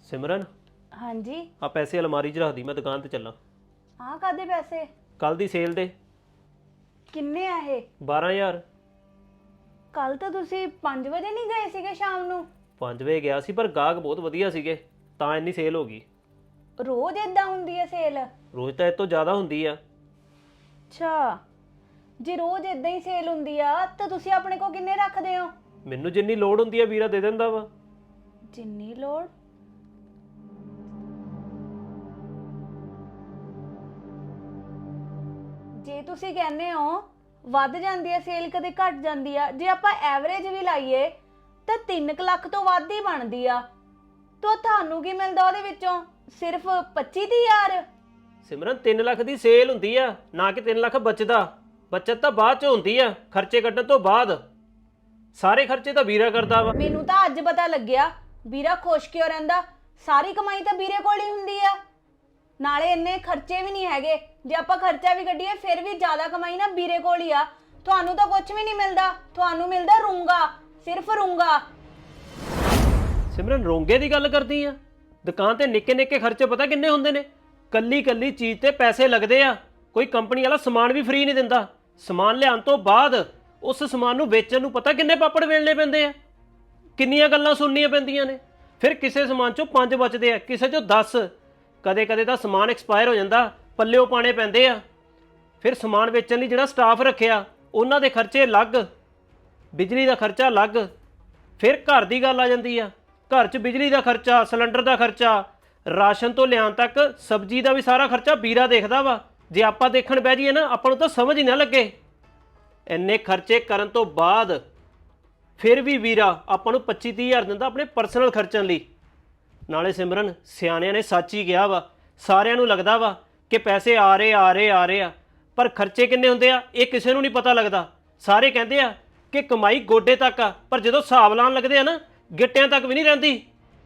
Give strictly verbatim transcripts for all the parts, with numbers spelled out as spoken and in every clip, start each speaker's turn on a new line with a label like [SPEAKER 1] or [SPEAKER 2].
[SPEAKER 1] सिमरन
[SPEAKER 2] हाँ जी।
[SPEAKER 1] आ पैसे अलमारी च रख दी, मैं दुकान ते चला।
[SPEAKER 2] हाँ कादे पैसे?
[SPEAKER 1] कल दी सेल दे
[SPEAKER 2] किन्ने आ ये?
[SPEAKER 1] बारह हज़ार।
[SPEAKER 2] कल तो तुसी पाँच बजे नहीं गए सीगे शाम नू?
[SPEAKER 1] पाँच वजे गया सी पर गाहक बहुत वधिया सीगे तां इन्नी सेल हो गई।
[SPEAKER 2] रोज इदा हुंदी है सेल?
[SPEAKER 1] रोज ਤਾਂ ਇਹ ਤੋਂ ਜ਼ਿਆਦਾ ਹੁੰਦੀ ਆ।
[SPEAKER 2] अच्छा जे रोज इदा ही सेल हुंदी आ तो तुसी अपने को किन्ने रखदे हो?
[SPEAKER 1] ਮੈਨੂੰ ਜਿੰਨੀ ਲੋੜ ਹੁੰਦੀ ਆ ਵੀਰਾ ਦੇ ਦਿੰਦਾ ਵਾ।
[SPEAKER 2] जिन्नी लोड़? ਜੇ ਤੁਸੀਂ ਕਹਿੰਦੇ ਹੋ ਵੱਧ ਜਾਂਦੀ ਹੈ ਸੇਲ ਕਦੇ ਘਟ ਜਾਂਦੀ ਆ, ਜੇ ਆਪਾਂ ਐਵਰੇਜ ਵੀ ਲਾਈਏ ਤਾਂ ਤਿੰਨ ਲੱਖ ਤੋਂ ਵੱਧ ਹੀ ਬਣਦੀ ਆ। ਤਾਂ ਤੁਹਾਨੂੰ ਕੀ ਮਿਲਦਾ ਉਹਦੇ ਵਿੱਚੋਂ? ਸਿਰਫ ਪੱਚੀ ਹਜ਼ਾਰ।
[SPEAKER 1] ਸਿਮਰਨ ਤਿੰਨ ਲੱਖ ਦੀ ਸੇਲ ਹੁੰਦੀ ਆ, ਨਾ ਕਿ ਤਿੰਨ ਲੱਖ ਬਚਦਾ। ਬਚਤ ਤਾਂ ਬਾਅਦ ਚ ਹੁੰਦੀ ਆ, ਖਰਚੇ ਕੱਢਣ ਤੋਂ ਬਾਅਦ। ਸਾਰੇ ਖਰਚੇ ਤਾਂ ਵੀਰਾ ਕਰਦਾ ਵਾ।
[SPEAKER 2] ਮੈਨੂੰ ਤਾਂ ਅੱਜ ਪਤਾ ਲੱਗਿਆ ਵੀਰਾ ਖੁਸ਼ ਕਿਉਂ ਰਹਿੰਦਾ। ਸਾਰੀ ਕਮਾਈ ਤਾਂ ਵੀਰੇ ਕੋਲ ਹੀ ਹੁੰਦੀ ਆ, ਨਾਲੇ ਇੰਨੇ ਖਰਚੇ ਵੀ ਨਹੀਂ ਹੈਗੇ। ਜੇ ਆਪਾਂ ਖਰਚਾ ਵੀ ਕੱਢੀਏ ਫਿਰ ਵੀ ਜ਼ਿਆਦਾ ਕਮਾਈ ਨਾ ਵੀਰੇ ਕੋਲ ਹੀ ਆ। ਤੁਹਾਨੂੰ ਤਾਂ ਕੁਝ ਵੀ ਨਹੀਂ ਮਿਲਦਾ, ਤੁਹਾਨੂੰ ਮਿਲਦਾ ਰੂੰਗਾ, ਸਿਰਫ ਰੂੰਗਾ।
[SPEAKER 1] ਸਿਮਰਨ ਰੋਂਗੇ ਦੀ ਗੱਲ ਕਰਦੀ ਆ? ਦੁਕਾਨ ਤੇ ਨਿੱਕੇ ਨਿੱਕੇ ਖਰਚੇ ਪਤਾ ਕਿੰਨੇ ਹੁੰਦੇ ਨੇ? ਕੱਲੀ ਕੱਲੀ ਚੀਜ਼ ਤੇ ਪੈਸੇ ਲੱਗਦੇ ਆ। ਕੋਈ ਕੰਪਨੀ ਵਾਲਾ ਸਮਾਨ ਵੀ ਫ੍ਰੀ ਨਹੀਂ ਦਿੰਦਾ। ਸਮਾਨ ਲਿਆਉਣ ਤੋਂ ਬਾਅਦ ਉਸ ਸਮਾਨ ਨੂੰ ਵੇਚਣ ਨੂੰ ਪਤਾ ਕਿੰਨੇ ਪਾਪੜ ਵੇਲਣੇ ਪੈਂਦੇ ਆ, ਕਿੰਨੀਆਂ ਗੱਲਾਂ ਸੁਣਨੀਆਂ ਪੈਂਦੀਆਂ ਨੇ। ਫਿਰ ਕਿਸੇ ਸਮਾਨ ਚੋਂ ਪੰਜ ਬਚਦੇ ਆ, ਕਿਸੇ ਚੋਂ ਦਸ। ਕਦੇ ਕਦੇ ਤਾਂ ਸਮਾਨ ਐਕਸਪਾਇਰ ਹੋ ਜਾਂਦਾ, ਪੱਲਿਓ ਪਾਣੇ ਪੈਂਦੇ ਆ। ਫਿਰ ਸਮਾਨ ਵੇਚਣ ਲਈ ਜਿਹੜਾ ਸਟਾਫ ਰੱਖਿਆ ਉਹਨਾਂ ਦੇ ਖਰਚੇ ਅਲੱਗ, ਬਿਜਲੀ ਦਾ ਖਰਚਾ ਅਲੱਗ। ਫਿਰ ਘਰ ਦੀ ਗੱਲ ਆ ਜਾਂਦੀ ਆ, ਘਰ 'ਚ ਬਿਜਲੀ ਦਾ ਖਰਚਾ, ਸਿਲੰਡਰ ਦਾ ਖਰਚਾ, ਰਾਸ਼ਨ ਤੋਂ ਲਿਆਉਣ ਤੱਕ ਸਬਜ਼ੀ ਦਾ ਵੀ ਸਾਰਾ ਖਰਚਾ ਵੀਰਾ ਦੇਖਦਾ ਵਾ। ਜੇ ਆਪਾਂ ਦੇਖਣ ਬਹਿ ਜਾਈਏ ਨਾ ਆਪਾਂ ਨੂੰ ਤਾਂ ਸਮਝ ਹੀ ਨਾ ਲੱਗੇ। ਇੰਨੇ ਖਰਚੇ ਕਰਨ ਤੋਂ ਬਾਅਦ ਫਿਰ ਵੀ ਵੀਰਾ ਆਪਾਂ ਨੂੰ ਪੱਚੀ ਤੀਹ ਹਜ਼ਾਰ ਦਿੰਦਾ ਆਪਣੇ ਪਰਸਨਲ ਖਰਚਣ ਲਈ। ਨਾਲੇ ਸਿਮਰਨ ਸਿਆਣਿਆਂ ਨੇ ਸੱਚ ਹੀ ਕਿਹਾ ਵਾ, ਸਾਰਿਆਂ ਨੂੰ ਲੱਗਦਾ ਵਾ ਕਿ ਪੈਸੇ ਆ ਰਹੇ ਆ ਰਹੇ ਆ ਰਹੇ ਆ, ਪਰ ਖਰਚੇ ਕਿੰਨੇ ਹੁੰਦੇ ਆ ਇਹ ਕਿਸੇ ਨੂੰ ਨਹੀਂ ਪਤਾ ਲੱਗਦਾ। ਸਾਰੇ ਕਹਿੰਦੇ ਆ ਕਿ ਕਮਾਈ ਗੋਡੇ ਤੱਕ ਆ, ਪਰ ਜਦੋਂ ਹਿਸਾਬ ਲਾਉਣ ਲੱਗਦੇ ਆ ਨਾ ਗਿੱਟਿਆਂ ਤੱਕ ਵੀ ਨਹੀਂ ਰਹਿੰਦੀ।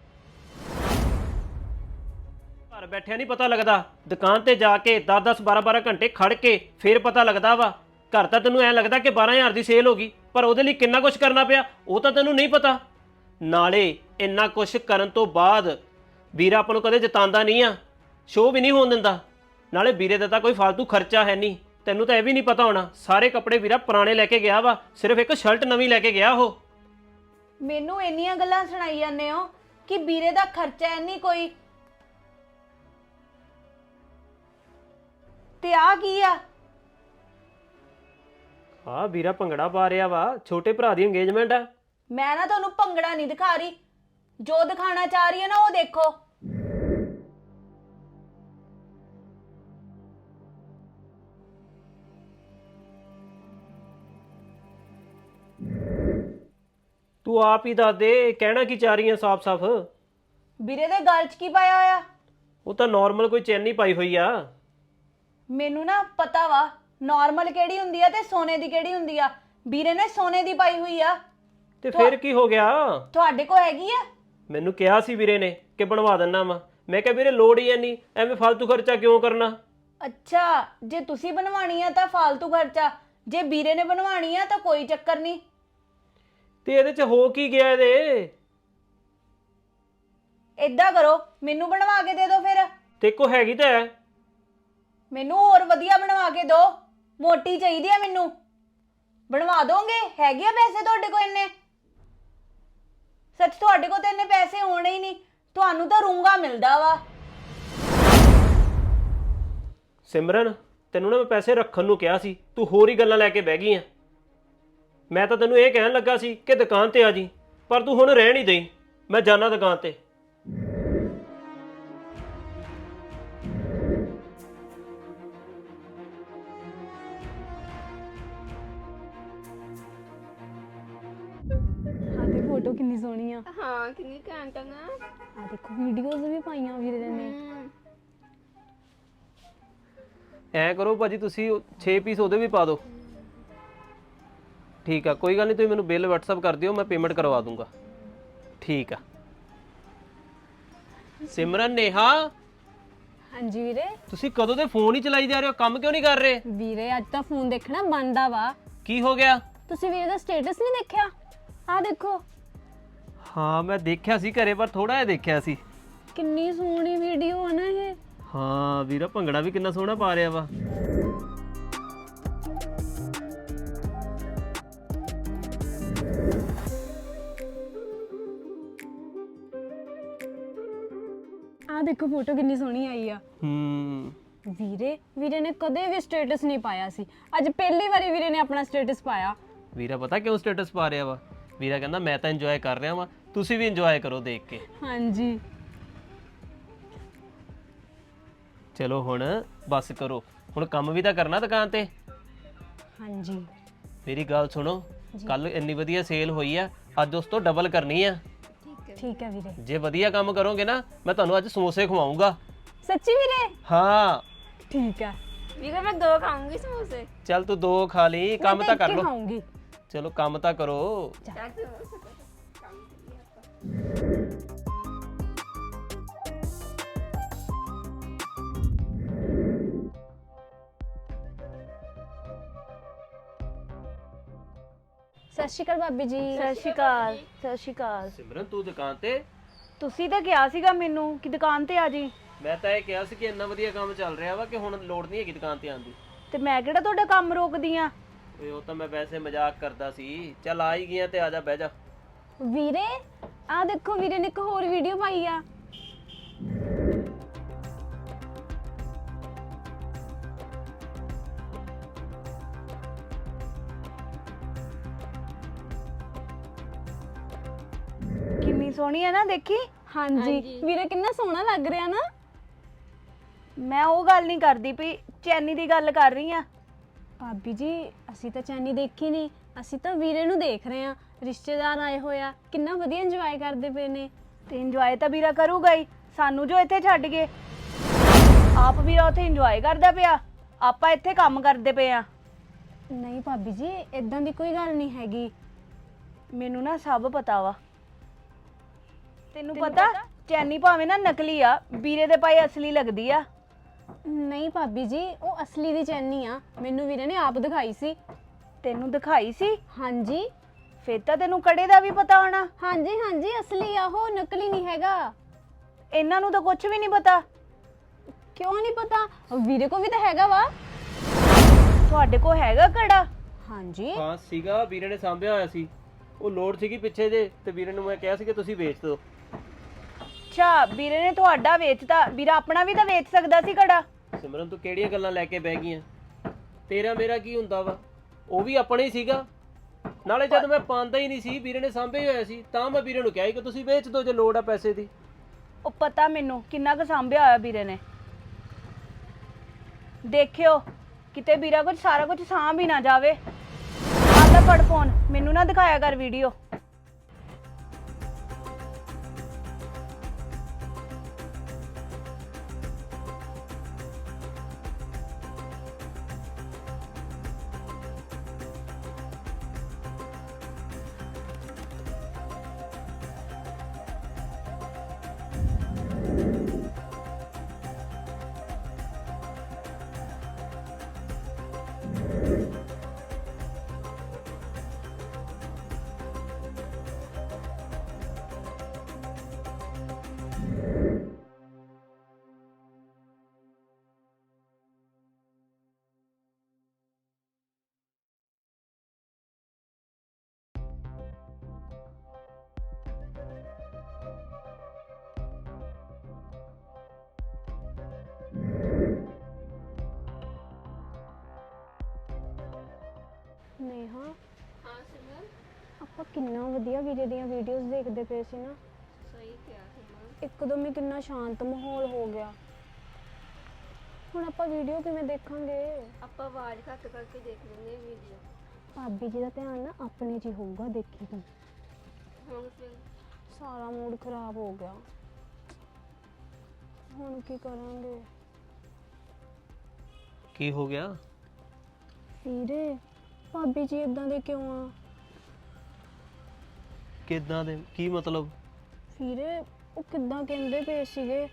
[SPEAKER 1] ਘਰ ਬੈਠਿਆ ਨਹੀਂ ਪਤਾ ਲੱਗਦਾ, ਦੁਕਾਨ ਤੇ ਜਾ ਕੇ ਦਸ ਦਸ ਬਾਰਾਂ ਬਾਰਾਂ ਘੰਟੇ ਖੜ ਕੇ ਫਿਰ ਪਤਾ ਲੱਗਦਾ ਵਾ। ਘਰ ਤਾਂ ਤੈਨੂੰ ਐਂ ਲੱਗਦਾ ਕਿ ਬਾਰਾਂ ਹਜ਼ਾਰ ਦੀ ਸੇਲ ਹੋ ਗਈ, ਪਰ ਉਹਦੇ ਲਈ ਕਿੰਨਾ ਕੁਛ ਕਰਨਾ ਪਿਆ ਉਹ ਤਾਂ ਤੈਨੂੰ ਨਹੀਂ ਪਤਾ। ਨਾਲੇ ਇੰਨਾ ਕੁਛ ਕਰਨ ਤੋਂ ਬਾਅਦ ਵੀਰਾ ਆਪਾਂ ਨੂੰ ਕਦੇ ਜਿਤਾਉਂਦਾ ਨਹੀਂ ਆ, ਸ਼ੋਅ ਵੀ ਨਹੀਂ ਹੋਣ ਦਿੰਦਾ। ਨਾਲੇ ਵੀਰੇ ਦਾ ਤਾਂ ਕੋਈ ਫालतू ਖਰਚਾ ਹੈ ਨਹੀਂ। ਤੈਨੂੰ ਤਾਂ ਇਹ ਵੀ ਨਹੀਂ ਪਤਾ ਹੋਣਾ, ਸਾਰੇ ਕੱਪੜੇ ਵੀਰਾ ਪੁਰਾਣੇ ਲੈ ਕੇ ਗਿਆ ਵਾ, ਸਿਰਫ ਇੱਕ ਸ਼ਰਟ ਨਵੀਂ ਲੈ ਕੇ ਗਿਆ ਉਹ।
[SPEAKER 2] ਮੈਨੂੰ ਇੰਨੀਆਂ ਗੱਲਾਂ ਸੁਣਾਈ ਜਾਂਦੇ ਹੋ ਕਿ ਵੀਰੇ ਦਾ ਖਰਚਾ ਹੈ ਨਹੀਂ ਕੋਈ। ਤੇ ਆ ਕੀ ਆ?
[SPEAKER 1] ਆ ਵੀਰਾ ਭੰਗੜਾ ਪਾ ਰਿਹਾ ਵਾ, ਛੋਟੇ ਭਰਾ ਦੀ ਇੰਗੇਜਮੈਂਟ ਆ।
[SPEAKER 2] ਮੈਂ ਨਾ ਤੁਹਾਨੂੰ ਭੰਗੜਾ ਨਹੀਂ ਦਿਖਾ ਰਹੀ, ਜੋ ਦਿਖਾਣਾ ਚਾਹ ਰਹੀ ਹੈ ਨਾ ਉਹ ਦੇਖੋ।
[SPEAKER 1] ਤੂੰ ਆਪ ਹੀ ਦੱਸ ਦੇ, ਕਹਿਣਾ ਕੀ ਚਾਹ ਰਹੀ ਹੈ ਸਾਫ਼-ਸਾਫ਼?
[SPEAKER 2] ਵੀਰੇ ਦੇ ਗਲ 'ਚ ਕੀ ਪਾਇਆ ਹੋਇਆ?
[SPEAKER 1] ਉਹ ਤਾਂ ਨਾਰਮਲ ਕੋਈ ਚੈਨ ਨਹੀਂ ਪਾਈ ਹੋਈ ਆ।
[SPEAKER 2] ਮੈਨੂੰ ਨਾ ਪਤਾ ਵਾ ਨਾਰਮਲ ਕਿਹੜੀ ਹੁੰਦੀ ਆ ਤੇ ਸੋਨੇ ਦੀ ਕਿਹੜੀ ਹੁੰਦੀ ਆ। ਵੀਰੇ ਨੇ ਸੋਨੇ ਦੀ ਪਾਈ ਹੋਈ ਆ।
[SPEAKER 1] ਤੇ ਫਿਰ ਕੀ ਹੋ ਗਿਆ?
[SPEAKER 2] ਤੁਹਾਡੇ ਕੋਲ ਹੈਗੀ ਆ?
[SPEAKER 1] ਮੈਨੂੰ ਕਿਹਾ ਸੀ ਵੀਰੇ ਨੇ ਕਿ ਬਣਵਾ ਦਿੰਨਾ ਵਾ। ਮੈਂ ਕਿਹਾ ਵੀਰੇ ਲੋੜ ਹੀ ਨਹੀਂ, ਐਵੇਂ ਫालतू ਖਰਚਾ ਕਿਉਂ ਕਰਨਾ।
[SPEAKER 2] ਅੱਛਾ ਜੇ ਤੁਸੀਂ ਬਣਵਾਣੀ ਆ ਤਾਂ ਫालतू ਖਰਚਾ, ਜੇ ਵੀਰੇ ਨੇ ਬਣਵਾਣੀ ਆ ਤਾਂ ਕੋਈ ਚੱਕਰ ਨਹੀਂ।
[SPEAKER 1] ਤੇ ਇਹਦੇ 'ਚ ਹੋ ਕੀ ਗਿਆ ਇਹਦੇ?
[SPEAKER 2] ਏਦਾਂ ਕਰੋ ਮੈਨੂੰ ਬਣਵਾ ਕੇ ਦੇ ਦਿਓ ਫਿਰ।
[SPEAKER 1] ਤੇ ਕੋ ਹੈਗੀ ਤਾਂ ਹੈ।
[SPEAKER 2] ਮੈਨੂੰ ਹੋਰ ਵਧੀਆ ਬਣਵਾ ਕੇ ਦਿਓ, ਮੋਟੀ ਚਾਹੀਦੀ ਆ ਮੈਨੂੰ। ਬਣਵਾ ਦੋਗੇ? ਹੈਗੇ ਆ ਪੈਸੇ ਤੁਹਾਡੇ ਕੋਲ ਇੰਨੇ? ਸੱਚ ਤੁਹਾਡੇ ਕੋਲ ਤਾਂ ਇੰਨੇ ਪੈਸੇ ਹੋਣੇ ਹੀ ਨਹੀਂ, ਤੁਹਾਨੂੰ ਤਾਂ ਰੂੰਗਾ ਮਿਲਦਾ ਵਾ।
[SPEAKER 1] ਸਿਮਰਨ ਤੈਨੂੰ ਨਾ ਮੈਂ ਪੈਸੇ ਰੱਖਣ ਨੂੰ ਕਿਹਾ ਸੀ, ਤੂੰ ਹੋਰ ਹੀ ਗੱਲਾਂ ਲੈ ਕੇ ਬਹਿ ਗਈ ਆ। ਮੈਂ ਤਾਂ ਤੈਨੂੰ ਇਹ ਕਹਿਣ ਲੱਗਾ ਸੀ ਕਿ ਦੁਕਾਨ ਤੇ ਆ ਜੀ, ਪਰ ਤੂੰ ਹੁਣ ਰਹਿਣ ਹੀ ਦੇਈ। ਮੈਂ ਜਾਣਾ ਦੁਕਾਨ ਤੇ।
[SPEAKER 3] ਹਾਂ ਤੇ ਫੋਟੋ ਕਿੰਨੀ ਸੋਹਣੀ ਆ।
[SPEAKER 4] ਹਾਂ ਕਿੰਨੀ ਘੈਂਟ ਆ ਨਾ।
[SPEAKER 3] ਆ ਦੇਖੋ ਵੀਡੀਓਜ਼ ਵੀ ਪਾਈਆਂ ਵੀਰੇ ਨੇ।
[SPEAKER 1] ਐ ਕਰੋ ਭਾਜੀ ਤੁਸੀਂ ਛੇ ਪੀਸ ਉਹਦੇ ਵੀ ਪਾ ਦਿਓ। ਠੀਕ ਆ, ਕੋਈ ਗੱਲ ਨਹੀਂ, ਤੁਸੀਂ ਮੈਨੂੰ ਬਿੱਲ WhatsApp ਕਰ ਦਿਓ, ਮੈਂ ਪੇਮੈਂਟ ਕਰਵਾ ਦੂੰਗਾ। ਠੀਕ ਆ। ਸਿਮਰਨ ਨੇਹਾ
[SPEAKER 3] ਹਾਂਜੀ ਵੀਰੇ।
[SPEAKER 1] ਤੁਸੀਂ ਕਦੋਂ ਦੇ ਫੋਨ ਹੀ ਚਲਾਈ ਜਾ ਰਹੇ ਹੋ, ਕੰਮ ਕਿਉਂ ਨਹੀਂ ਕਰ ਰਹੇ?
[SPEAKER 3] ਵੀਰੇ ਅੱਜ ਤਾਂ ਫੋਨ ਦੇਖਣਾ ਬੰਦ ਆ ਵਾ।
[SPEAKER 1] ਕੀ ਹੋ ਗਿਆ?
[SPEAKER 3] ਤੁਸੀਂ ਵੀਰੇ ਦਾ ਸਟੇਟਸ ਨਹੀਂ ਦੇਖਿਆ? ਆ ਦੇਖੋ।
[SPEAKER 1] ਹਾਂ ਮੈਂ ਦੇਖਿਆ ਸੀ ਘਰੇ, ਪਰ ਥੋੜਾ ਜਿਹਾ ਦੇਖਿਆ ਸੀ।
[SPEAKER 3] ਕਿੰਨੀ ਸੋਹਣੀ ਵੀਡੀਓ ਆ ਨਾ ਇਹ।
[SPEAKER 1] ਹਾਂ ਵੀਰਾ, ਭੰਗੜਾ ਵੀ ਕਿੰਨਾ ਸੋਹਣਾ ਪਾ ਰਿਹਾ ਵਾ।
[SPEAKER 3] ਆ ਦੇਖੋ ਫੋਟੋ ਕਿੰਨੀ ਸੋਹਣੀ ਆਈ ਆ।
[SPEAKER 1] ਹੂੰ
[SPEAKER 3] ਵੀਰੇ ਵੀਰੇ ਨੇ ਕਦੇ ਵੀ ਸਟੇਟਸ ਨਹੀਂ ਪਾਇਆ ਸੀ, ਅੱਜ ਪਹਿਲੀ ਵਾਰੀ ਵੀਰੇ ਨੇ ਆਪਣਾ ਸਟੇਟਸ ਪਾਇਆ।
[SPEAKER 1] ਵੀਰਾ ਪਤਾ ਕਿਉਂ ਸਟੇਟਸ ਪਾ ਰਿਹਾ ਵਾ? ਵੀਰਾ ਕਹਿੰਦਾ ਮੈਂ ਤਾਂ ਇੰਜੋਏ ਕਰ ਰਿਹਾ ਵਾਂ, ਤੁਸੀਂ ਵੀ ਇੰਜੋਏ ਕਰੋ ਦੇਖ ਕੇ।
[SPEAKER 3] ਹਾਂਜੀ
[SPEAKER 1] ਚਲੋ ਹੁਣ ਬਸ ਕਰੋ, ਹੁਣ ਕੰਮ ਵੀ ਤਾਂ ਕਰਨਾ ਦੁਕਾਨ ਤੇ।
[SPEAKER 3] ਹਾਂਜੀ
[SPEAKER 1] ਮੇਰੀ ਗੱਲ ਸੁਣੋ, ਕੱਲ ਇੰਨੀ ਵਧੀਆ ਸੇਲ ਹੋਈ ਆ, ਅੱਜ ਉਸ ਤੋਂ ਡਬਲ ਕਰਨੀ ਆ।
[SPEAKER 3] ਠੀਕ ਹੈ ਵੀਰੇ।
[SPEAKER 1] ਜੇ ਵਧੀਆ ਕੰਮ ਕਰੋਗੇ ਨਾ, ਮੈਂ ਤੁਹਾਨੂੰ ਅੱਜ ਸਮੋਸੇ ਖਵਾਉਂਗਾ।
[SPEAKER 3] ਸੱਚੀ ਵੀਰੇ?
[SPEAKER 1] ਹਾਂ
[SPEAKER 3] ਠੀਕ ਹੈ
[SPEAKER 4] ਵੀਰੇ ਮੈਂ ਦੋ ਖਾਉਂਗੀ ਸਮੋਸੇ।
[SPEAKER 1] ਚੱਲ ਤੂੰ ਦੋ ਖਾ ਲਈ, ਕੰਮ ਤਾਂ ਕਰ ਲੋ।
[SPEAKER 3] ਖਾਉਂਗੀ।
[SPEAKER 1] ਚਲੋ ਕੰਮ ਤਾਂ ਕਰੋ।
[SPEAKER 3] ਸਤਿ ਸ਼੍ਰੀ ਅਕਾਲ ਭਾਬੀ ਜੀ।
[SPEAKER 2] ਸਤਿ ਸ਼੍ਰੀ ਅਕਾਲ। ਸਤਿ ਸ਼੍ਰੀ ਅਕਾਲ।
[SPEAKER 1] ਸਿਮਰਨ ਤੂੰ ਦੁਕਾਨ ਤੇ?
[SPEAKER 2] ਤੁਸੀਂ ਤਾਂ ਕਿਹਾ ਸੀਗਾ ਮੈਨੂੰ ਕਿ ਦੁਕਾਨ ਤੇ ਆ ਜੀ,
[SPEAKER 1] ਮੈਂ ਤਾਂ ਇਹ ਕਿਹਾ ਸੀ ਕਿ ਇੰਨਾ ਵਧੀਆ ਕੰਮ ਚੱਲ ਰਿਹਾ ਵਾ ਕਿ ਹੁਣ ਲੋੜ ਨਹੀਂ ਹੈਗੀ ਦੁਕਾਨ ਤੇ ਆਉਣ ਦੀ।
[SPEAKER 2] ਤੇ ਮੈਂ ਕਿਹੜਾ ਤੁਹਾਡਾ ਕੰਮ ਰੋਕਦੀ ਆ।
[SPEAKER 1] ਓਏ ਉਹ ਤਾਂ ਮੈਂ ਵੈਸੇ ਮਜ਼ਾਕ ਕਰਦਾ ਸੀ। ਚੱਲ ਆ ਹੀ ਗਿਆ ਤੇ ਆ ਜਾ, ਬਹਿ ਜਾ।
[SPEAKER 3] ਵੀਰੇ ਆ ਦੇਖੋ, ਵੀਰੇ ਨੇ ਇੱਕ ਹੋਰ ਵੀਡੀਓ ਪਾਈ ਆ।
[SPEAKER 2] ਕਿੰਨੀ ਸੋਹਣੀ ਹੈ ਨਾ, ਦੇਖੀ।
[SPEAKER 3] ਹਾਂਜੀ ਵੀਰੇ ਕਿੰਨਾ ਸੋਹਣਾ ਲੱਗ ਰਿਹਾ ਨਾ।
[SPEAKER 2] ਮੈਂ ਉਹ ਗੱਲ ਨਹੀਂ ਕਰਦੀ ਪਈ, ਚੈਨੀ ਦੀ ਗੱਲ ਕਰ ਰਹੀ ਆ।
[SPEAKER 3] ਭਾਬੀ ਜੀ ਅਸੀਂ ਤਾਂ ਚੈਨੀ ਦੇਖੀ ਨਹੀਂ, ਅਸੀਂ ਤਾਂ ਵੀਰੇ ਨੂੰ ਦੇਖ ਰਹੇ ਆ। ਰਿਸ਼ਤੇਦਾਰ ਆਏ ਹੋਇਆ, ਕਿੰਨਾ ਵਧੀਆ ਇੰਜੋਏ ਕਰਦੇ ਪਏ ਨੇ।
[SPEAKER 2] ਤੇ ਇੰਜੋਏ ਤਾਂ ਵੀਰਾ ਕਰੂਗਾ ਹੀ, ਸਾਨੂੰ ਜੋ ਇੱਥੇ ਛੱਡ ਗਏ। ਆਪ ਵੀਰਾ ਉੱਥੇ ਇੰਜੋਏ ਕਰਦਾ ਪਿਆ, ਆਪਾਂ ਇੱਥੇ ਕੰਮ ਕਰਦੇ ਪਏ ਆ।
[SPEAKER 3] ਨਹੀਂ ਭਾਬੀ ਜੀ ਇਦਾਂ ਦੀ ਕੋਈ ਗੱਲ ਨਹੀਂ ਹੈਗੀ।
[SPEAKER 2] ਮੈਨੂੰ ਨਾ ਸਭ ਪਤਾ ਵਾ। ਤੈਨੂੰ ਪਤਾ ਚੈਨੀ ਭਾਵੇਂ ਨਾ ਨਕਲੀ ਆ, ਵੀਰੇ ਦੇ ਪਾਏ ਅਸਲੀ ਲੱਗਦੀ ਆ।
[SPEAKER 3] ਨਹੀਂ ਭਾਬੀ ਜੀ ਉਹ ਅਸਲੀ ਦੀ ਚੈਨੀ ਆ, ਮੈਨੂੰ ਵੀਰੇ ਨੇ ਆਪ ਦਿਖਾਈ ਸੀ।
[SPEAKER 2] ਤੈਨੂੰ ਦਿਖਾਈ ਸੀ?
[SPEAKER 3] ਹਾਂਜੀ।
[SPEAKER 2] ਫੇਰ ਤਾਂ ਤੈਨੂੰ ਕੜੇ ਦਾ ਵੀ ਪਤਾ ਹੋਣਾ।
[SPEAKER 3] ਹਾਂਜੀ ਹਾਂਜੀ ਅਸਲੀ ਆ ਉਹ, ਨਕਲੀ ਨਹੀਂ ਹੈਗਾ।
[SPEAKER 2] ਇਹਨਾਂ ਨੂੰ ਤਾਂ ਕੁਝ ਵੀ ਨਹੀਂ ਪਤਾ।
[SPEAKER 3] ਕਿਉਂ ਨਹੀਂ ਪਤਾ? ਵੀਰੇ ਕੋ ਵੀ ਤਾਂ ਹੈਗਾ ਵਾ।
[SPEAKER 2] ਤੁਹਾਡੇ ਕੋਲ ਹੈਗਾ ਕੜਾ?
[SPEAKER 3] ਹਾਂਜੀ
[SPEAKER 1] ਹਾਂ ਸੀਗਾ, ਵੀਰੇ ਨੇ ਸਾਂਭਿਆ ਹੋਇਆ ਸੀ। ਉਹ ਲੋੜ ਸੀਗੀ ਪਿੱਛੇ ਜੇ, ਤੇ ਵੀਰੇ ਨੂੰ ਮੈਂ ਕਿਹਾ ਸੀ ਕਿ ਤੁਸੀਂ ਵੇਚ ਦਿਓ।
[SPEAKER 2] ਅੱਛਾ, ਵੀਰੇ ਨੇ ਤੁਹਾਡਾ ਵੇਚਤਾ। ਵੀਰਾ ਆਪਣਾ ਵੀ ਤਾਂ ਵੇਚ ਸਕਦਾ ਸੀ ਕੜਾ।
[SPEAKER 1] ਸਿਮਰਨ ਤੂੰ ਕਿਹੜੀਆਂ ਗੱਲਾਂ ਲੈ ਕੇ ਬਹਿ ਗਈਆਂ? ਤੇਰਾ ਮੇਰਾ ਕੀ ਹੁੰਦਾ ਵਾ? ਉਹ ਵੀ ਆਪਣਾ ਹੀ ਸੀਗਾ। ਨਾਲੇ ਜਦ ਮੈਂ ਪਾਉਂਦਾ ਹੀ ਨਹੀਂ ਸੀ, ਵੀਰੇ ਨੇ ਸਾਂਭੇ ਹੋਇਆ ਸੀ, ਤਾਂ ਮੈਂ ਵੀਰੇ ਨੂੰ ਕਿਹਾ ਸੀ ਕਿ ਤੁਸੀਂ ਵੇਚ ਦਿਓ ਜੇ ਲੋੜ ਆ ਪੈਸੇ ਦੀ।
[SPEAKER 2] ਉਹ ਪਤਾ ਮੈਨੂੰ ਕਿੰਨਾ ਕੁ ਸਾਂਭਿਆ ਹੋਇਆ ਵੀਰੇ ਨੇ। ਦੇਖਿਓ ਕਿਤੇ ਵੀਰਾ ਕੁਝ ਸਾਰਾ ਕੁਝ ਸਾਂਭ ਹੀ ਨਾ ਜਾਵੇ। ਆ ਲੈ ਫੜ ਫੋਨ, ਮੈਨੂੰ ਨਾ ਦਿਖਾਇਆ ਕਰ ਵੀਡੀਓ।
[SPEAKER 3] ਨੇਹਾ
[SPEAKER 4] ਹਾਂ ਸਿਮਰਨ,
[SPEAKER 3] ਆਪਾਂ ਕਿੰਨਾ ਵਧੀਆ ਵੀਰੇ ਦੀਆਂ ਵੀਡੀਓਜ਼ ਦੇਖਦੇ ਪਏ ਸੀ ਨਾ।
[SPEAKER 4] ਸਹੀ ਕਿਹਾ ਸਿਮਰਨ।
[SPEAKER 3] ਇੱਕਦਮ ਹੀ ਕਿੰਨਾ ਸ਼ਾਂਤ ਮਾਹੌਲ ਹੋ ਗਿਆ। ਹੁਣ ਆਪਾਂ ਵੀਡੀਓ ਕਿਵੇਂ ਦੇਖਾਂਗੇ?
[SPEAKER 4] ਆਪਾਂ ਆਵਾਜ਼ ਘੱਟ ਕਰਕੇ ਦੇਖ ਲੈਂਦੇ ਵੀਡੀਓ।
[SPEAKER 3] ਭਾਬੀ ਜੀ ਦਾ ਧਿਆਨ ਨਾ ਆਪਣੇ 'ਚ ਹੀ ਹੋਊਗਾ, ਦੇਖੀ ਤੂੰ।
[SPEAKER 4] ਹੁਣ ਫਿਰ
[SPEAKER 3] ਸਾਰਾ ਮੂਡ ਖਰਾਬ ਹੋ ਗਿਆ। ਹੁਣ ਕੀ ਕਰਾਂਗੇ?
[SPEAKER 1] ਕੀ ਹੋ ਗਿਆ?
[SPEAKER 3] ਵੀਰੇ ਭਾਬੀ ਜੀ ਇਦਾਂ ਦੇ ਕਿਉਂ ਆ?
[SPEAKER 1] ਕਿੱਦਾਂ ਦੇ? ਕੀ ਮਤਲਬ?
[SPEAKER 3] ਵੀਰੇ ਉਹ ਕਿੱਦਾਂ ਕਹਿੰਦੇ ਪਏ ਸੀਗੇ।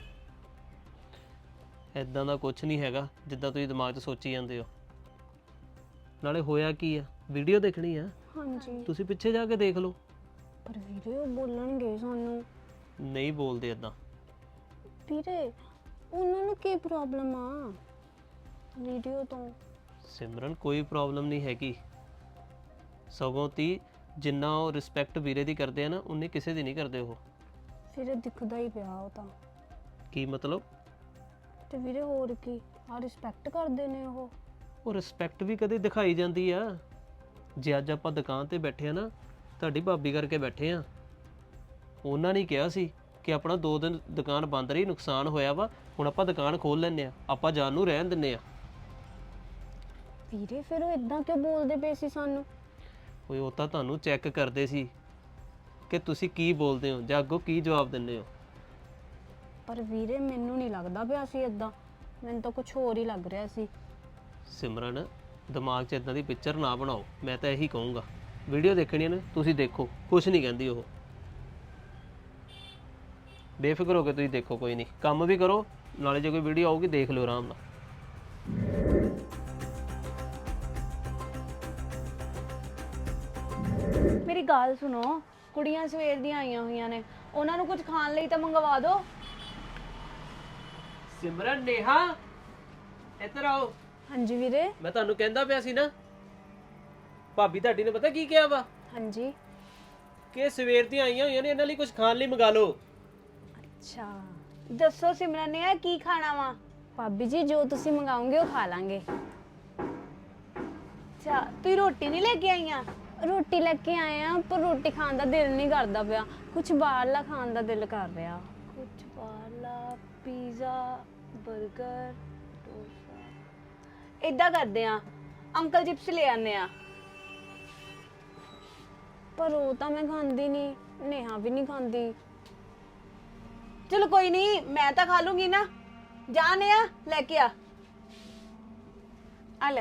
[SPEAKER 1] ਇਦਾਂ ਦਾ ਕੁਝ ਨਹੀਂ ਹੈਗਾ ਜਿੱਦਾਂ ਤੁਸੀਂ ਦਿਮਾਗ 'ਚ ਸੋਚੀ ਜਾਂਦੇ ਹੋ। ਨਾਲੇ ਹੋਇਆ ਕੀ ਆ? ਵੀਡੀਓ ਦੇਖਣੀ ਆ,
[SPEAKER 3] ਹਾਂਜੀ
[SPEAKER 1] ਤੁਸੀਂ ਪਿੱਛੇ ਜਾ ਕੇ ਦੇਖ ਲਓ।
[SPEAKER 3] ਪਰ ਵੀਰੇ ਉਹ ਬੋਲਣਗੇ ਸਾਨੂੰ।
[SPEAKER 1] ਨਹੀਂ ਬੋਲਦੇ ਇਦਾਂ।
[SPEAKER 3] ਵੀਰੇ ਉਹਨਾਂ ਨੂੰ ਕੀ ਪ੍ਰੋਬਲਮ ਆ ਵੀਡੀਓ ਤੋਂ?
[SPEAKER 1] ਸਿਮਰਨ ਕੋਈ ਪ੍ਰੋਬਲਮ ਨਹੀਂ ਹੈਗੀ, ਸਗੋਂ ਤੀ ਜਿੰਨਾ ਉਹ ਰਿਸਪੈਕਟ ਵੀਰੇ ਦੀ ਕਰਦੇ ਆ ਨਾ ਉਨੀ ਕਿਸੇ ਦੀ ਨਹੀਂ ਕਰਦੇ ਉਹ।
[SPEAKER 3] ਵੀਰੇ ਦਿਖਦਾ ਹੀ ਪਿਆ ਉਹ ਤਾਂ।
[SPEAKER 1] ਕੀ ਮਤਲਬ?
[SPEAKER 3] ਤੇ ਵੀਰੇ ਹੋਰ ਕੀ ਆ ਰਿਸਪੈਕਟ ਕਰਦੇ ਨੇ ਉਹ।
[SPEAKER 1] ਉਹ ਰਿਸਪੈਕਟ ਵੀ ਕਦੇ ਦਿਖਾਈ ਜਾਂਦੀ ਆ। ਜੇ ਅੱਜ ਆਪਾਂ ਦੁਕਾਨ ਤੇ ਬੈਠੇ ਆ ਨਾ, ਤੁਹਾਡੀ ਭਾਬੀ ਕਰਕੇ ਬੈਠੇ ਆ। ਉਹਨਾਂ ਨੇ ਕਿਹਾ ਸੀ ਕਿ ਆਪਣਾ ਦੋ ਦਿਨ ਦੁਕਾਨ ਬੰਦ ਰਹੀ, ਨੁਕਸਾਨ ਹੋਇਆ ਵਾ, ਹੁਣ ਆਪਾਂ ਦੁਕਾਨ ਖੋਲ ਲੈਂਦੇ ਆ, ਆਪਾਂ ਜਾਨ ਨੂੰ ਰਹਿਣ ਦਿੰਦੇ ਆ।
[SPEAKER 3] ਵੀਰੇ ਫਿਰ ਉਹ ਇਦਾਂ ਕਿਉਂ ਬੋਲਦੇ ਪਏ ਸੀ ਸਾਨੂੰ?
[SPEAKER 1] ਓਏ ਉਹ ਤਾਂ ਤੁਹਾਨੂੰ ਚੈੱਕ ਕਰਦੇ ਸੀ ਕਿ ਤੁਸੀਂ ਕੀ ਬੋਲਦੇ ਹੋ ਜਾਂ ਅੱਗੋਂ ਕੀ ਜਵਾਬ ਦਿੰਦੇ ਹੋ।
[SPEAKER 3] ਪਰ ਵੀਰੇ ਮੈਨੂੰ ਨਹੀਂ ਲੱਗਦਾ ਪਿਆ ਸੀ ਇਦਾਂ, ਮੈਨੂੰ ਤਾਂ ਕੁਝ ਹੋਰ ਹੀ ਲੱਗ ਰਿਹਾ ਸੀ।
[SPEAKER 1] ਸਿਮਰਨ ਦਿਮਾਗ 'ਚ ਇਦਾਂ ਦੀ ਪਿਕਚਰ ਨਾ ਬਣਾਓ, ਮੈਂ ਤਾਂ ਇਹੀ ਕਹੂੰਗਾ। ਵੀਡੀਓ ਦੇਖਣੀ ਨੇ ਤੁਸੀਂ ਦੇਖੋ, ਕੁਝ ਨਹੀਂ ਕਹਿੰਦੀ ਉਹ। ਬੇਫਿਕਰ ਹੋ ਕੇ ਤੁਸੀਂ ਦੇਖੋ, ਕੋਈ ਨਹੀਂ, ਕੰਮ ਵੀ ਕਰੋ ਨਾਲੇ ਜੇ ਕੋਈ ਵੀਡੀਓ ਆਊਗੀ ਦੇਖ ਲਿਓ ਆਰਾਮ ਨਾਲ।
[SPEAKER 2] ਮੇਰੀ ਗੱਲ ਸੁਣੋ, ਕੁੜੀਆਂ ਸਵੇਰ ਦੀਆਂ ਆਈਆਂ ਹੋਈਆਂ ਨੇ, ਉਹਨਾਂ ਨੂੰ ਕੁਝ ਖਾਣ ਲਈ ਤਾਂ ਮੰਗਵਾ ਦਿਓ।
[SPEAKER 1] ਸਿਮਰਨ, ਨੇਹਾ ਇੱਧਰ ਆਓ।
[SPEAKER 3] ਹਾਂਜੀ ਵੀਰੇ।
[SPEAKER 1] ਮੈਂ ਤੁਹਾਨੂੰ ਕਹਿੰਦਾ ਪਿਆ ਸੀ ਨਾ, ਭਾਬੀ ਤੁਹਾਡੀ ਨੇ ਪਤਾ ਕੀ ਕਿਹਾ ਵਾ?
[SPEAKER 3] ਹਾਂਜੀ।
[SPEAKER 1] ਕਿ ਸਵੇਰ ਦੀਆਂ ਆਈਆਂ ਹੋਈਆਂ ਨੇ, ਇਹਨਾਂ ਲਈ ਕੁਝ ਖਾਣ ਲਈ ਮੰਗਾ ਲਓ।
[SPEAKER 3] ਅੱਛਾ
[SPEAKER 2] ਦੱਸੋ ਸਿਮਰਨ ਨੇ ਕੀ ਖਾਣਾ ਵਾ?
[SPEAKER 3] ਭਾਬੀ ਜੀ ਜੋ ਤੁਸੀਂ ਮੰਗਾਓਗੇ ਉਹ ਖਾ ਲਾਂਗੇ।
[SPEAKER 2] ਅੱਛਾ, ਤੁਸੀਂ ਰੋਟੀ ਨਹੀਂ ਲੈ ਕੇ ਆਈਆਂ?
[SPEAKER 3] ਰੋਟੀ ਲੈ ਕੇ ਆਏ ਆ, ਪਰ ਰੋਟੀ ਖਾਣ ਦਾ ਦਿਲ ਨਹੀਂ ਕਰਦਾ ਪਿਆ, ਕੁਝ ਬਾਹਰਲਾ ਖਾਣ ਦਾ ਦਿਲ ਕਰ ਰਿਹਾ।
[SPEAKER 2] ਕੁਝ ਬਾਹਰਲਾ, ਪੀਜ਼ਾ, 버ਗਰ, ਡੋਸਾ। ਇਦਾਂ ਕਰਦੇ ਆ, ਅੰਕਲ ਚਿਪਸ ਲੈ ਆਨੇ ਆ।
[SPEAKER 3] ਪਰ ਉਹ ਤਾਂ ਮੈਂ ਖਾਂਦੀ ਨਹੀਂ, ਨੇਹਾ ਵੀ ਨਹੀਂ ਖਾਂਦੀ।
[SPEAKER 2] ਚਲੋ ਕੋਈ ਨਹੀਂ, ਮੈਂ ਤਾਂ ਖਾ ਲੂੰਗੀ ਨਾ। ਜਾਣੇ ਆ, ਲੈ ਕੇ ਆ। ਆ ਲੈ।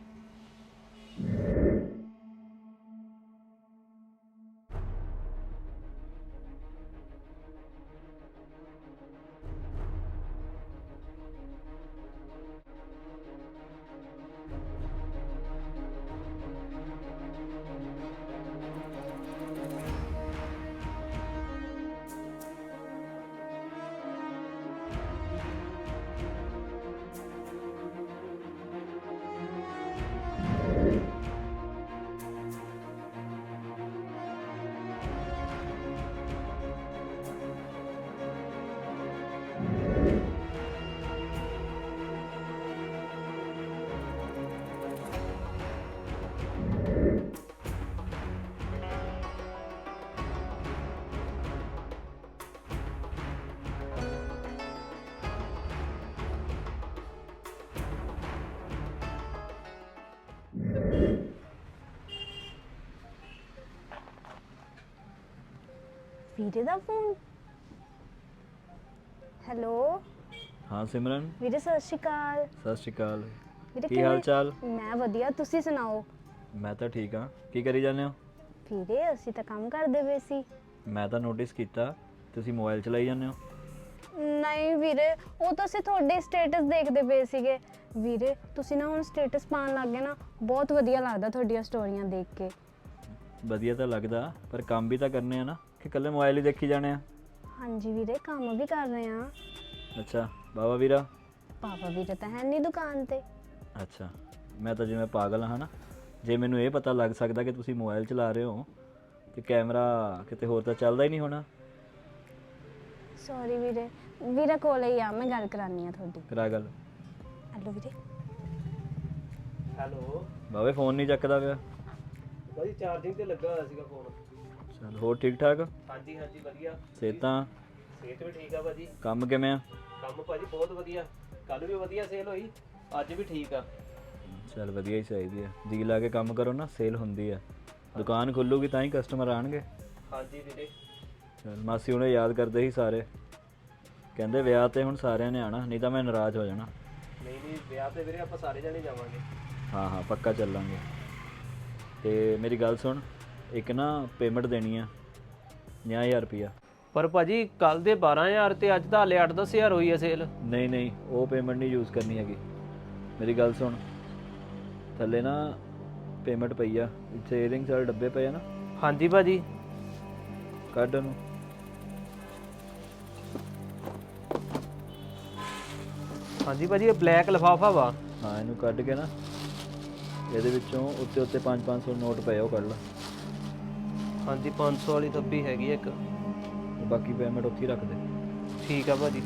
[SPEAKER 3] ਵੀਰੇ ਦਾ ਫੋਨ। ਹੈਲੋ।
[SPEAKER 5] ਹਾਂ ਸਿਮਰਨ,
[SPEAKER 3] ਵੀਰੇ ਸਤਿ ਸ਼੍ਰੀ ਅਕਾਲ।
[SPEAKER 5] ਸਤਿ ਸ਼੍ਰੀ ਅਕਾਲ।
[SPEAKER 3] ਵੀਰੇ
[SPEAKER 5] ਕੀ ਹਾਲ ਚਾਲ?
[SPEAKER 3] ਮੈਂ ਵਧੀਆ, ਤੁਸੀਂ ਸੁਣਾਓ?
[SPEAKER 5] ਮੈਂ ਤਾਂ ਠੀਕ ਹਾਂ। ਕੀ ਕਰੀ ਜਾਂਦੇ ਹੋ?
[SPEAKER 3] ਵੀਰੇ ਅਸੀਂ ਤਾਂ ਕੰਮ ਕਰਦੇ ਪਏ ਸੀ।
[SPEAKER 5] ਮੈਂ ਤਾਂ ਨੋਟਿਸ ਕੀਤਾ ਤੁਸੀਂ ਮੋਬਾਈਲ ਚਲਾਈ ਜਾਂਦੇ ਹੋ।
[SPEAKER 3] ਨਹੀਂ ਵੀਰੇ, ਉਹ ਤਾਂ ਅਸੀਂ ਤੁਹਾਡੇ ਸਟੇਟਸ ਦੇਖਦੇ ਪਏ ਸੀਗੇ। ਵੀਰੇ ਤੁਸੀਂ ਨਾ ਹੁਣ ਸਟੇਟਸ ਪਾਉਣ ਲੱਗ ਗਏ ਨਾ, ਬਹੁਤ ਵਧੀਆ ਲੱਗਦਾ ਤੁਹਾਡੀਆਂ ਸਟੋਰੀਆਂ ਦੇਖ ਕੇ।
[SPEAKER 5] ਵਧੀਆ ਤਾਂ ਲੱਗਦਾ, ਪਰ ਕੰਮ ਵੀ ਤਾਂ ਕਰਨੇ ਆ ਨਾ, ਕਿ ਇਕੱਲੇ ਮੋਬਾਈਲ ਹੀ ਦੇਖੀ ਜਾਣੇ ਆ।
[SPEAKER 3] ਹਾਂਜੀ ਵੀਰੇ, ਕੰਮ ਵੀ ਕਰ ਰਹੇ ਆ।
[SPEAKER 5] ਅੱਛਾ, ਬਾਬਾ ਵੀਰਾ?
[SPEAKER 3] ਪਾਪਾ ਵੀਰੇ ਤਾਂ ਹੈ ਨਹੀਂ ਦੁਕਾਨ ਤੇ।
[SPEAKER 5] ਅੱਛਾ, ਮੈਂ ਤਾਂ ਜਿਵੇਂ ਪਾਗਲ ਹਾਂ ਨਾ, ਜੇ ਮੈਨੂੰ ਇਹ ਪਤਾ ਲੱਗ ਸਕਦਾ ਕਿ ਤੁਸੀਂ ਮੋਬਾਈਲ ਚਲਾ ਰਹੇ ਹੋ ਤੇ ਕੈਮਰਾ ਕਿਤੇ ਹੋਰ ਤਾਂ ਚੱਲਦਾ ਹੀ ਨਹੀਂ ਹੋਣਾ।
[SPEAKER 3] ਸੌਰੀ ਵੀਰੇ, ਵੀਰਾ ਕੋਲ ਹੀ ਆ, ਮੈਂ ਗੱਲ ਕਰਾਨੀ ਆ ਤੁਹਾਡੀ।
[SPEAKER 5] ਕਰਾ ਗੱਲ।
[SPEAKER 3] ਹੈਲੋ ਵੀਰੇ।
[SPEAKER 1] ਹੈਲੋ
[SPEAKER 5] ਬਾਬੇ, ਫੋਨ ਨਹੀਂ ਚੱਕਦਾ ਪਿਆ।
[SPEAKER 1] ਭਾਜੀ ਚਾਰਜਿੰਗ ਤੇ ਲੱਗਾ ਹੋਇਆ ਸੀਗਾ ਫੋਨ।
[SPEAKER 5] ਚਲ ਹੋਰ ਠੀਕ ਠਾਕ?
[SPEAKER 1] ਹਾਂਜੀ ਹਾਂਜੀ ਵਧੀਆ।
[SPEAKER 5] ਸਿਹਤਾਂ?
[SPEAKER 1] ਸਿਹਤ ਵੀ ਠੀਕ ਆ ਭਾਜੀ।
[SPEAKER 5] ਕੰਮ ਕਿਵੇਂ ਆ?
[SPEAKER 1] ਕੰਮ ਭਾਜੀ ਬਹੁਤ ਵਧੀਆ, ਕੱਲ ਵੀ ਵਧੀਆ ਸੇਲ ਹੋਈ, ਅੱਜ ਵੀ ਠੀਕ ਆ।
[SPEAKER 5] ਚਲ ਵਧੀਆ ਹੀ ਚਾਹੀਦੀ ਹੈ, ਜੀ ਲਾ ਕੇ ਕੰਮ ਕਰੋ ਨਾ, ਸੇਲ ਹੁੰਦੀ ਹੈ। ਦੁਕਾਨ ਖੁੱਲੂਗੀ ਤਾਂ ਹੀ ਕਸਟਮਰ ਆਣਗੇ।
[SPEAKER 1] ਹਾਂਜੀ ਵੀਰੇ।
[SPEAKER 5] ਚਲ ਮਾਸੀ ਹੁਣੇ ਯਾਦ ਕਰਦੇ ਸੀ ਸਾਰੇ, ਕਹਿੰਦੇ ਵਿਆਹ ਤੇ ਹੁਣ ਸਾਰਿਆਂ ਨੇ ਆਣਾ, ਨਹੀਂ ਤਾਂ ਮੈਂ ਨਾਰਾਜ਼ ਹੋ ਜਾਣਾ।
[SPEAKER 1] ਨਹੀਂ ਨਹੀਂ, ਵਿਆਹ ਤੇ ਵੀਰੇ ਆਪਾਂ ਸਾਰੇ ਜਣੇ ਜਾਵਾਂਗੇ।
[SPEAKER 5] ਹਾਂ ਹਾਂ ਪੱਕਾ ਚੱਲਾਂਗੇ। ਤੇ ਮੇਰੀ ਗੱਲ ਸੁਣ, ਇੱਕ ਨਾ ਪੇਮੈਂਟ ਦੇਣੀ ਆ ਪੰਜਾਹ ਹਜ਼ਾਰ ਰੁਪਈਆ।
[SPEAKER 1] ਪਰ ਭਾਜੀ ਕੱਲ ਦੇ ਬਾਰਾਂ ਹਜ਼ਾਰ ਤੇ ਅੱਜ ਦਾ ਹਾਲੇ ਅੱਠ ਦਸ ਹਜ਼ਾਰ ਹੋਈ ਹੈ ਸੇਲ।
[SPEAKER 5] ਨਹੀਂ ਨਹੀਂ, ਉਹ ਪੇਮੈਂਟ ਨਹੀਂ ਯੂਜ਼ ਕਰਨੀ ਹੈਗੀ। ਮੇਰੀ ਗੱਲ ਸੁਣ, ਥੱਲੇ ਨਾ ਪੇਮੈਂਟ ਪਈ ਆ, ਸੇਲਿੰਗ ਸਾਰੇ ਡੱਬੇ ਪਏ ਆ ਨਾ।
[SPEAKER 1] ਹਾਂਜੀ ਭਾਜੀ।
[SPEAKER 5] ਕੱਢ ਉਹਨੂੰ।
[SPEAKER 1] ਹਾਂਜੀ ਭਾਜੀ ਇਹ ਬਲੈਕ ਲਿਫਾਫਾ ਵਾ।
[SPEAKER 5] ਹਾਂ ਇਹਨੂੰ ਕੱਢ ਕੇ ਨਾ ਇਹਦੇ ਵਿੱਚੋਂ ਉੱਤੇ ਉੱਤੇ ਪੰਜ ਪੰਜ ਸੌ ਨੋਟ ਪਏ ਆ, ਉਹ ਕੱਢ ਲਾ।
[SPEAKER 1] ਹਾਂਜੀ ਪੰਜ ਸੌ ਵਾਲੀ ਦੱਬੀ ਹੈਗੀ ਆ ਇੱਕ।
[SPEAKER 5] ਤੇ ਬਾਕੀ ਪੇਮੈਂਟ ਉੱਥੇ ਹੀ ਰੱਖ ਦੇ।
[SPEAKER 1] ਠੀਕ ਆ ਭਾਜੀ।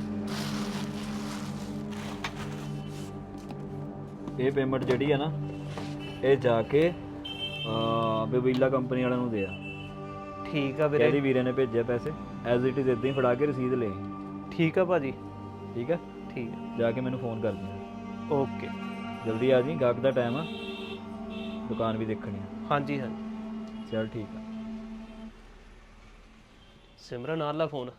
[SPEAKER 5] ਇਹ ਪੇਮੈਂਟ ਜਿਹੜੀ ਆ ਨਾ ਇਹ ਜਾ ਕੇ ਬਬੀਲਾ ਕੰਪਨੀ ਵਾਲਿਆਂ ਨੂੰ ਦੇ ਆ।
[SPEAKER 1] ਠੀਕ ਆ ਵੀਰੇ।
[SPEAKER 5] ਇਹਦੀ ਵੀਰੇ ਨੇ ਭੇਜਿਆ ਪੈਸੇ, ਐਜ਼ ਇਟ ਇਜ਼ ਇਦਾਂ ਹੀ ਫੜਾ ਕੇ ਰਸੀਦ ਲੈ ਆਈ।
[SPEAKER 1] ਠੀਕ ਆ ਭਾਜੀ।
[SPEAKER 5] ਠੀਕ ਆ,
[SPEAKER 1] ਠੀਕ ਆ।
[SPEAKER 5] ਜਾ ਕੇ ਮੈਨੂੰ ਫੋਨ ਕਰ ਦੀ।
[SPEAKER 1] ਓਕੇ
[SPEAKER 5] ਜਲਦੀ ਆ ਜੀ, ਗਾਹਕ ਦਾ ਟਾਈਮ ਆ, ਦੁਕਾਨ ਵੀ ਦੇਖਣੀ ਆ।
[SPEAKER 1] ਹਾਂਜੀ ਹਾਂਜੀ
[SPEAKER 5] ਚਲ ਠੀਕ ਆ।
[SPEAKER 1] ਸਿਮਰਨ ਆ ਲਾ ਫੋਨ।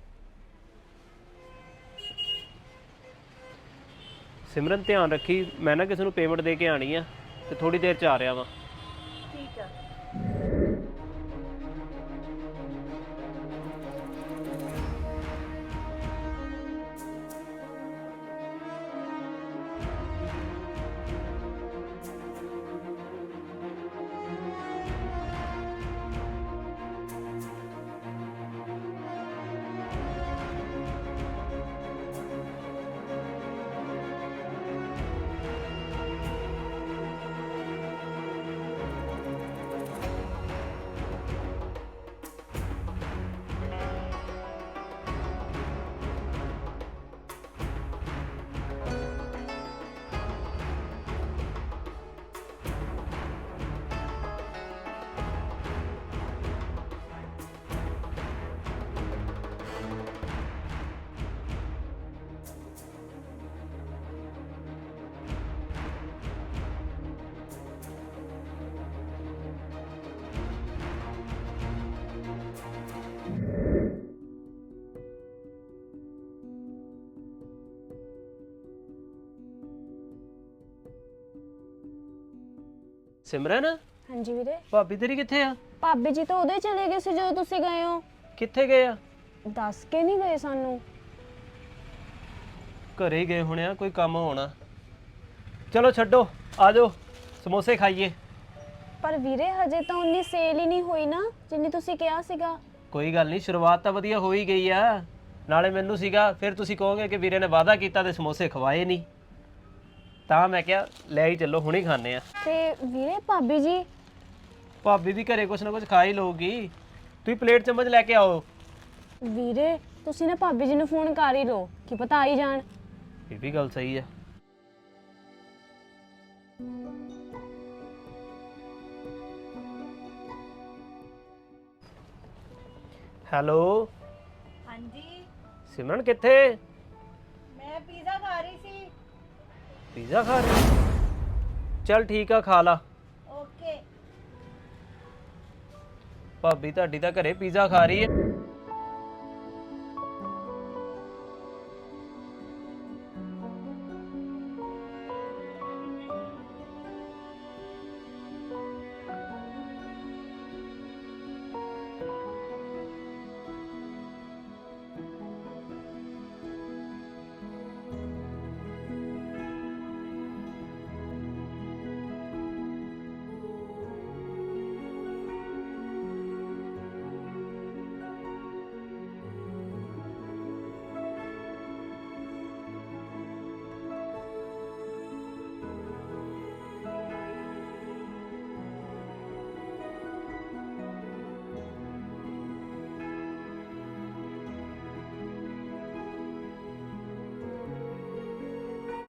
[SPEAKER 1] ਸਿਮਰਨ ਧਿਆਨ ਰੱਖੀ, ਮੈਂ ਨਾ ਕਿਸੇ ਨੂੰ ਪੇਮੈਂਟ ਦੇ ਕੇ ਆਣੀ ਆ ਤੇ ਥੋੜੀ ਦੇਰ ਚ ਆ ਰਿਹਾ ਵਾਂ।
[SPEAKER 2] ਠੀਕ ਆ।
[SPEAKER 1] ਸਿਮਰਨ
[SPEAKER 3] ਹਾਂਜੀ ਵੀਰੇ।
[SPEAKER 1] ਭਾਬੀ ਤੇਰੀ ਕਿੱਥੇ ਆ?
[SPEAKER 3] ਭਾਬੀ ਜੀ ਤਾਂ ਉਹਦੇ ਚਲੇ ਗਏ ਸੀ ਜਦੋਂ ਤੁਸੀਂ ਗਏ ਹੋ।
[SPEAKER 1] ਕਿੱਥੇ ਗਏ ਆ?
[SPEAKER 3] ਦੱਸ ਕੇ ਨਹੀਂ ਗਏ ਸਾਨੂੰ।
[SPEAKER 1] ਘਰੇ ਹੀ ਗਏ ਹੋਣੇ ਆ, ਕੋਈ ਕੰਮ ਹੋਣਾ। ਚਲੋ ਛੱਡੋ, ਆ ਜਾਓ ਸਮੋਸੇ ਖਾਈਏ।
[SPEAKER 3] ਪਰ ਵੀਰੇ ਹਜੇ ਤਾਂ ਉਨੀ ਸੇਲ ਹੀ ਨਹੀਂ ਹੋਈ ਨਾ ਜਿੰਨੀ ਤੁਸੀਂ ਕਿਹਾ ਸੀਗਾ।
[SPEAKER 1] ਕੋਈ ਗੱਲ ਨਹੀਂ, ਸ਼ੁਰੂਆਤ ਤਾਂ ਵਧੀਆ ਹੋ ਹੀ ਗਈ ਆ। ਨਾਲੇ ਮੈਨੂੰ ਸੀਗਾ ਫਿਰ ਤੁਸੀਂ ਕਹੋਗੇ ਕਿ ਵੀਰੇ ਨੇ ਵਾਅਦਾ ਕੀਤਾ ਤੇ ਸਮੋਸੇ ਖਵਾਏ ਨਹੀਂ, ਤਾਂ ਮੈਂ ਕਿਹਾ ਲੈ ਹੀ ਚੱਲੋ, ਹੁਣੇ ਖਾਣੇ ਆ।
[SPEAKER 3] ਤੇ ਵੀਰੇ ਭਾਬੀ ਜੀ?
[SPEAKER 1] ਭਾਬੀ ਵੀ ਘਰੇ ਕੁਛ ਨਾ ਕੁਛ ਖਾ ਹੀ ਲਊਗੀ, ਤੁਸੀਂ ਪਲੇਟ ਚਮਚ ਲੈ ਕੇ ਆਓ।
[SPEAKER 3] ਵੀਰੇ ਤੁਸੀਂ ਨਾ ਭਾਬੀ ਜੀ ਨੂੰ ਫੋਨ ਕਰ ਹੀ ਲਓ, ਕੀ ਪਤਾ ਆ ਹੀ ਜਾਣ।
[SPEAKER 1] ਇਹ ਵੀ ਗੱਲ ਸਹੀ ਆ। ਹੈਲੋ
[SPEAKER 2] ਹਾਂਜੀ
[SPEAKER 1] ਸਿਮਰਨ ਕਿੱਥੇ?
[SPEAKER 2] ਮੈਂ ਪੀਜ਼ਾ ਖਾ ਰਹੀ ਸੀ।
[SPEAKER 1] ਪੀਜ਼ਾ ਖਾ ਰਹੀ? ਚੱਲ ਠੀਕ ਆ, ਖਾ ਲਾ।
[SPEAKER 2] ਓਕੇ।
[SPEAKER 1] ਭਾਬੀ ਤੁਹਾਡੀ ਤਾਂ ਘਰੇ ਪੀਜ਼ਾ ਖਾ ਰਹੀ ਹੈ।